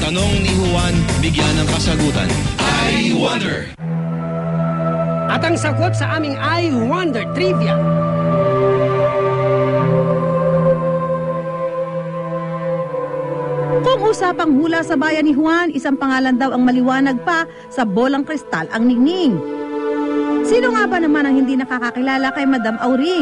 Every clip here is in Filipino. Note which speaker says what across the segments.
Speaker 1: tanong ni Juan, bigyan ng kasagutan. I Wonder.
Speaker 2: At ang sagot sa aming I Wonder Trivia.
Speaker 3: Kung usapang hula sa bayan ni Juan, isang pangalan daw ang maliwanag pa sa bolang kristal ang ningning. Sino nga ba naman ang hindi nakakakilala kay Madam Auring?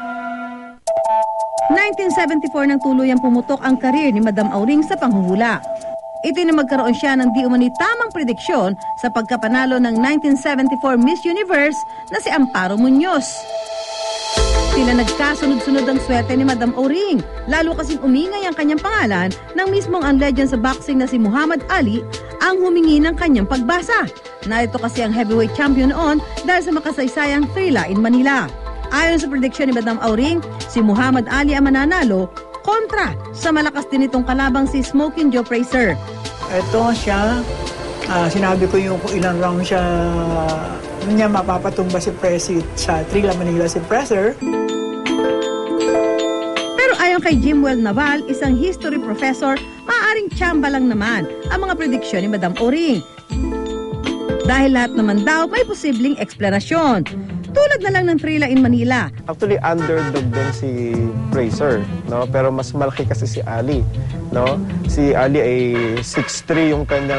Speaker 3: 1974 nang tuluyang pumutok ang karir ni Madam Auring sa panghuhula. Itinamagkaroon siya ng di umani tamang prediksyon sa pagkapanalo ng 1974 Miss Universe na si Amparo Muñoz. Sila nagkasunod-sunod ang swerte ni Madam Auring, lalo kasing umingay ang kanyang pangalan nang mismong ang legend sa boxing na si Muhammad Ali ang humingi ng kanyang pagbasa. Narito kasi ang heavyweight champion noon dahil sa makasaysayang Thrilla in Manila. Ayon sa prediksyon ni Madam Auring, si Muhammad Ali ang mananalo kontra sa malakas din itong kalabang si Smoking Joe Frazier.
Speaker 4: Ito siya, sinabi ko yung kung ilang round siya niya mapapatumba si Presi sa Thrilla Manila si Frazier.
Speaker 3: Pero ayon kay Jimwell Naval, isang history professor, maaaring tsamba lang naman ang mga prediksyon ni Madam Auring. Dahil lahat naman daw may posibleng eksplanasyon. Tulad na lang ng Thrilla in Manila.
Speaker 5: Actually, underdog doon si Frazier, no? Pero mas malaki kasi si Ali, no? Si Ali ay 6'3" yung kanyang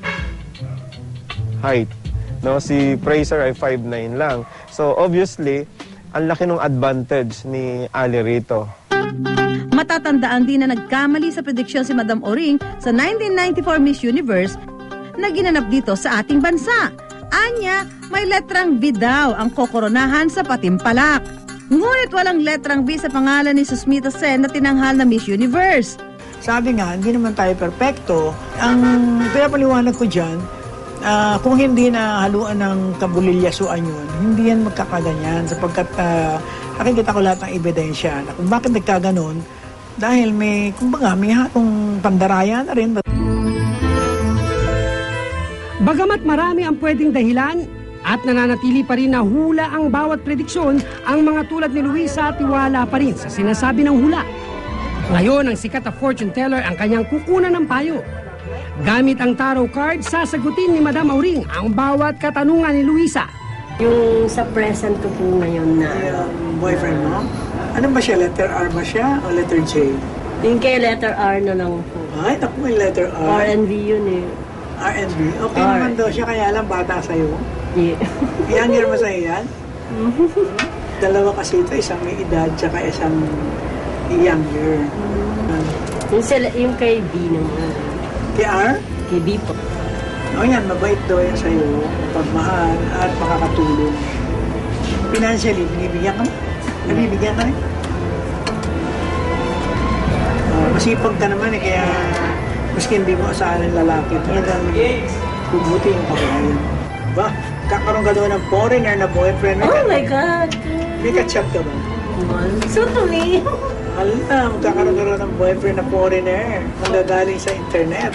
Speaker 5: height, no? Si Frazier ay 5'9" lang. So, obviously, ang laki ng advantage ni Ali rito.
Speaker 3: Matatandaan din na nagkamali sa prediksyon si Madam Auring sa 1994 Miss Universe na ginanap dito sa ating bansa. Anya, may letrang V daw ang kokoronahan sa Patimpalak. Ngunit walang letrang V sa pangalan ni Susmita Sen na tinanghal na Miss Universe.
Speaker 4: Sabi nga, hindi naman tayo perpekto. Ang pinapaliwanag ko dyan, kung hindi na haluan ng kabulilyasuan yun, hindi yan magkakaganyan sapagkat nakikita ko lahat ng ebidensya na kung bakit nagkaganon dahil may, kumbaga, may hatong pandaraya na rin.
Speaker 2: Bagamat marami ang pwedeng dahilan at nananatili pa rin na hula ang bawat prediksyon, ang mga tulad ni Luisa tiwala pa rin sa sinasabi ng hula. Ngayon, ang sikat na fortune teller ang kanyang kukunan ng payo. Gamit ang tarot card, sasagutin ni Madam Auring ang bawat katanungan ni Luisa.
Speaker 6: Yung sa present ko po ngayon na...
Speaker 4: boyfriend mo? Ano ba siya? Letter R ba siya o letter J?
Speaker 6: Yung kay letter R na lang po.
Speaker 4: Ay, naku, may letter R.
Speaker 6: R&V yun eh.
Speaker 4: R&B? Okay
Speaker 6: R.
Speaker 4: naman daw siya, kaya lang bata sa'yo.
Speaker 6: Yeah.
Speaker 4: Younger mo sa'yo yan? Dalawa kasi ito, isang may edad, tsaka isang younger.
Speaker 6: Yung kay B naman.
Speaker 4: Kay R?
Speaker 6: Kay B po.
Speaker 4: O yan, mabait daw yan sa'yo, pagmahal at makakatulong. Financially, binibigyan ka mo? Nabibigyan ka rin? Masipag ka naman eh, kaya maski hindi mo asahan ng lalaki, talagang bubuti yung pagkain. Ba, kakaroon ka doon ng foreigner na boyfriend.
Speaker 6: Oh my God!
Speaker 4: May ka-chat ka ba?
Speaker 6: So to me.
Speaker 4: Alam, kakaroon ka rin ng boyfriend na foreigner. Manggagaling sa internet.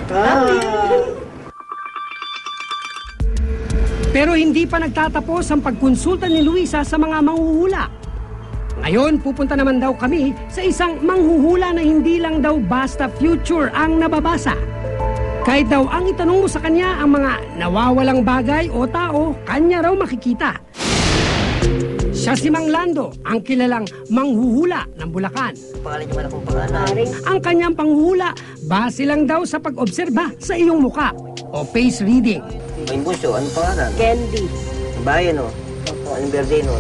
Speaker 2: Pero hindi pa nagtatapos ang pagkonsulta ni Luisa sa mga manghuhula. Ngayon, pupunta naman daw kami sa isang manghuhula na hindi lang daw basta future ang nababasa. Kahit daw ang itanong mo sa kanya ang mga nawawalang bagay o tao, kanya raw makikita. Siya si Mang Lando, ang kilalang manghuhula ng Bulacan.
Speaker 7: Pangalan niyo man akong pangalan.
Speaker 2: Ang kanyang panghuhula, base lang daw sa pag-obserba sa iyong muka o face reading.
Speaker 7: May bunso, ano pangalan?
Speaker 6: Candy.
Speaker 7: Bayan, no? Anong birthday, no?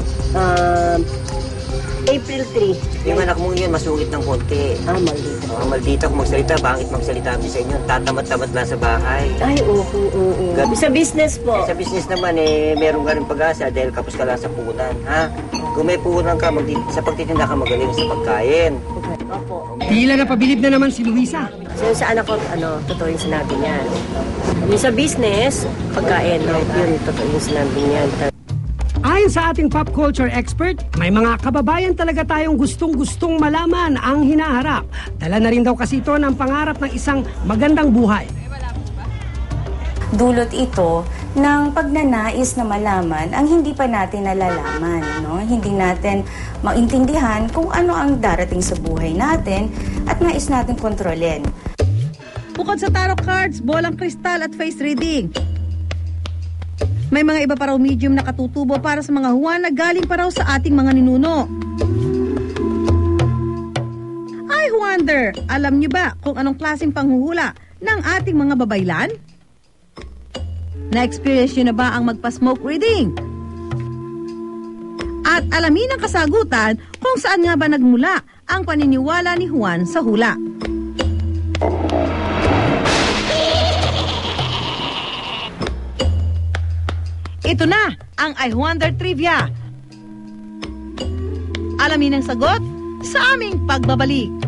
Speaker 6: April 3.
Speaker 7: Yung anak mong yun, masungit ng konti.
Speaker 6: Maldita.
Speaker 7: Maldita kung magsalita, bangit magsalita kami sa inyo. Tatamad-tamad lang sa bahay.
Speaker 6: Ay, oo. Sa business po.
Speaker 7: Sa business naman, meron ka rin pag-asa dahil kapos ka lang sa puhunan, ha? Kung may puhunan ka, sa pagtitinda ka magaling sa pagkain.
Speaker 6: Opo.
Speaker 2: Tila napabilib na naman si Luisa.
Speaker 6: So sa anak ko, totoo yung sinabi niya. Yung sa business, pagkain, yun, totoo yung sinabi niya.
Speaker 2: Ayon sa ating pop culture expert, may mga kababayan talaga tayong gustong-gustong malaman ang hinaharap. Dala na rin daw kasi ito ng pangarap ng isang magandang buhay.
Speaker 8: Dulot ito ng pagnanais na malaman ang hindi pa natin nalalaman. No? Hindi natin maintindihan kung ano ang darating sa buhay natin at nais natin kontrolin.
Speaker 3: Bukod sa tarot cards, bolang kristal at face reading, may mga iba pa raw medium na katutubo para sa mga Juan na galing pa raw sa ating mga ninuno. I wonder, alam niyo ba kung anong klaseng panghuhula ng ating mga babaylan? Na-experience niyo na ba ang magpa-smoke reading? At alamin ang kasagutan kung saan nga ba nagmula ang paniniwala ni Juan sa hula. Ito na ang I Wonder Trivia. Alamin ang sagot sa aming pagbabalik.